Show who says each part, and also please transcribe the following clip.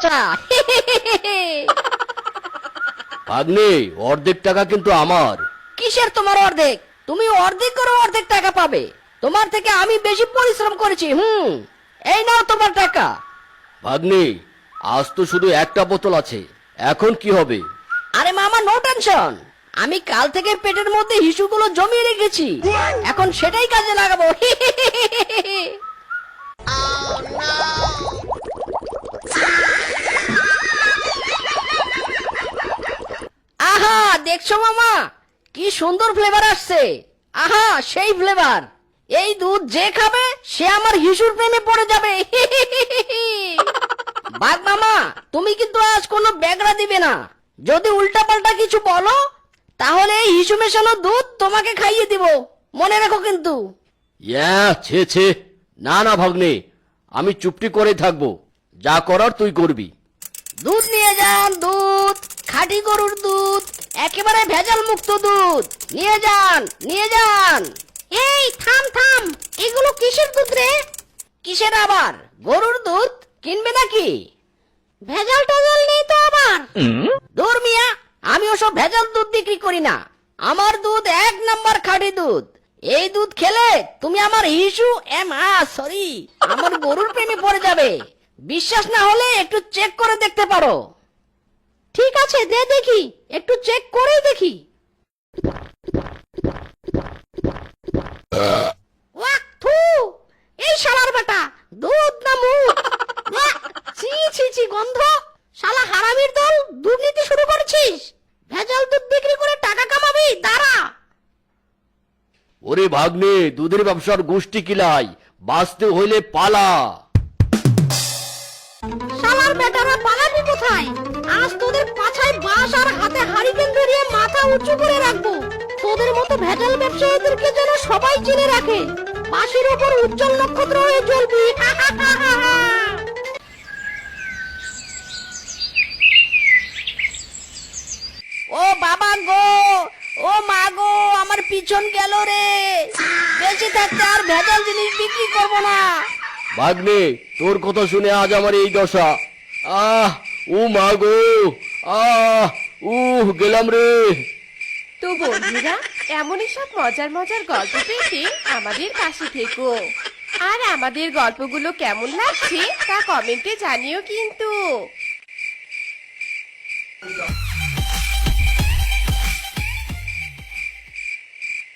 Speaker 1: বাঁচা।
Speaker 2: ভাগ্নে, অর্ধেক টাকা কিন্তু আমার।
Speaker 1: কিসের তোমার অর্ধেক? তুমি অর্ধেক করে অর্ধেক টাকা পাবে। তোমার থেকে আমি বেশি পরিশ্রম করেছি। এই নাও তোমার টাকা।
Speaker 2: ভাগ্নে, আজ তো শুধু একটা বোতল আছে, এখন কি হবে?
Speaker 1: আরে মামা, নো টেনশন। আমি কাল থেকে পেটের মধ্যে হিসুগুলো জমিয়ে রেখেছি, এখন সেটাই কাজে লাগাবো। আহা, দেখছো মামা, কি সুন্দর ফ্লেভার আসছে। আহা, সেই ফ্লেভার। এই দুধ যে খাবে সে আমার হিসুর প্রেমে পড়ে যাবে। বাঘ মামা, তুমি কিন্তু আজ কোনো ব্যাগরা দিবে না। যদি উল্টা পাল্টা কিছু বলো তাহলে এই হিসু মেশানো দুধ তোমাকে খাইয়ে দিব, মনে রেখো কিন্তু।
Speaker 2: ছে ছে, না না ভাগ্নে, আমি চুপটি করে থাকবো, যা করার তুই করবি।
Speaker 1: দুধ নিয়ে যান, দুধ, খাঁটি গরুর দুধ, একেবারে ভেজাল মুক্ত দুধ। নিয়ে যান, নিয়ে যান। এই থাম থাম, এগুলো কিসের দুধ রে? কিসের আবার? গরুর দুধ, কিনবে নাকি? ভেজাল টেজাল নেই তো আবার? দূর মিয়া, আমি ওসব ভেজাল দুধ বিক্রি করি না। আমার দুধ 1 নাম্বার খাঁটি দুধ। এই দুধ খেলে তুমি আমার হিসু সরি, আমার গরুর প্রেমে পড়ে যাবে। বিশ্বাস না হলে একটু চেক করে দেখতে পারো। ঠিক আছে, দে দেখি, একটু চেক করেই দেখি। ওয়াক থু, এই শালার বেটা, দুধ না মুখ? ওয়াক, ছি ছি ছি, গন্ধ। শালা হারামির দল, দুর্নীতি শুরু করছিস। ভেজাল দুধ বিক্রি করে টাকা কামাবি, দাঁড়া।
Speaker 2: ওরে ভাগ্নে, দুধের ব্যবসার গোষ্ঠী কিলাই, বাঁচতে হইলে পালা।
Speaker 1: শালার বেটারা, পালাবি কোথায়? আজ তোদের পাছায় বাঁশ আর হাতে হারিকেন ধরিয়ে মাথা উঁচু করে রাখবো। তোদের মতো ভেজাল ব্যবসায়ীদেরকে যেন সবাই চিনে রাখে। বাঁশের উপর উজ্জ্বল নক্ষত্র হয়ে জ্বলবি। ও বাবা গো, ও মা গো, আমার পিছন গেল রে। বেঁচে থাকতে আর ভেজাল জিনিস বিক্রি করবো না।
Speaker 2: ভাগ্নে, তোর কথা শুনে আজ আমার এই দশা। ও মা গো, গেলাম রে।
Speaker 3: তো বন্ধুরা, এমনই সব মজার মজার গল্প পেতে আমাদের পাশে থেকো। আর আমাদের গল্পগুলো কেমন লাগছে তা কমেন্টে জানিও কিন্তু।